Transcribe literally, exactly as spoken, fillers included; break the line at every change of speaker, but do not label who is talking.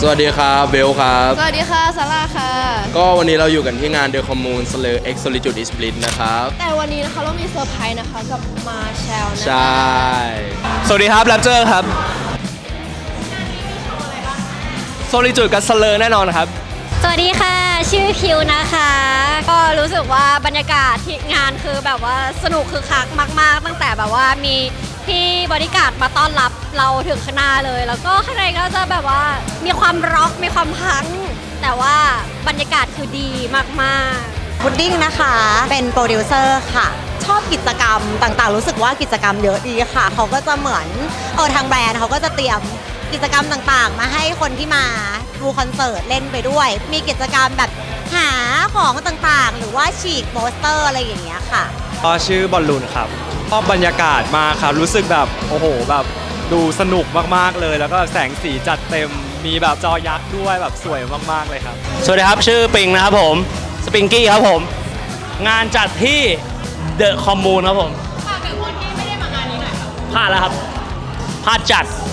สวัสดีครับเบลครับ
สวัสดีค่ะซาร่าค่ะ
ก็วันนี้เราอยู่กันที่งาน The Commune Slur X Solitude is Split นะครับ
แต่วันนี้นะคะเรามีเซอร์ไพรส์นะคะกับมาแชลนะคะ
ใช่
สวัสดีครับแรปเจอร์ครับโซลิจูดกับสเลอร์แน่นอนครับ
สวัสดีค่ะชื่อคิวนะคะ ก็รู้สึกว่าบรรยากาศที่งานคือแบบว่าสนุกคือคักมากๆตั้งแต่แบบว่ามีพี่บริการดมาต้อนรับเราถึงข้างหน้าเลย แล้วก็ข้างในก็จะแบบว่ามีความร็อกมีความพังแต่ว่าบรรยากาศคือดีมากๆ
พุดดิ้งนะคะเป็นโปรดิวเซอร์ค่ะ ชอบกิจกรรมต่างๆ รู้สึกว่ากิจกรรมเยอะดีค่ะ เขาก็จะเหมือนเออทางแบรนด์เขาก็จะเตรียมกิจกรรมต่างๆ มาให้คนที่มาดูคอนเสิร์ตเล่นไปด้วย มีกิจกรรมแบบหาของต่างๆ หรือว่าฉีกโปสเตอร์อะไรอย่างเงี้ยค่ะ
ก็ชื่อบอลลูนครับชอบบรรยากาศมากครับรู้สึกแบบโอ้โหแบบดูสนุกมากๆเลย แล้วก็แสงสีจัดเต็มมีแบบจอยักษ์ด้วยแบบสวยมากๆเลยครับสวัสดีครับชื่อปิงนะครับผมสปิงกี้ครับผมงานจัดที่เดอะคอมมูนครับผมฝากถึงคนที่ไม่ได้มางานนี้หน่อยครับพลาดแล้วครับพลาดจัด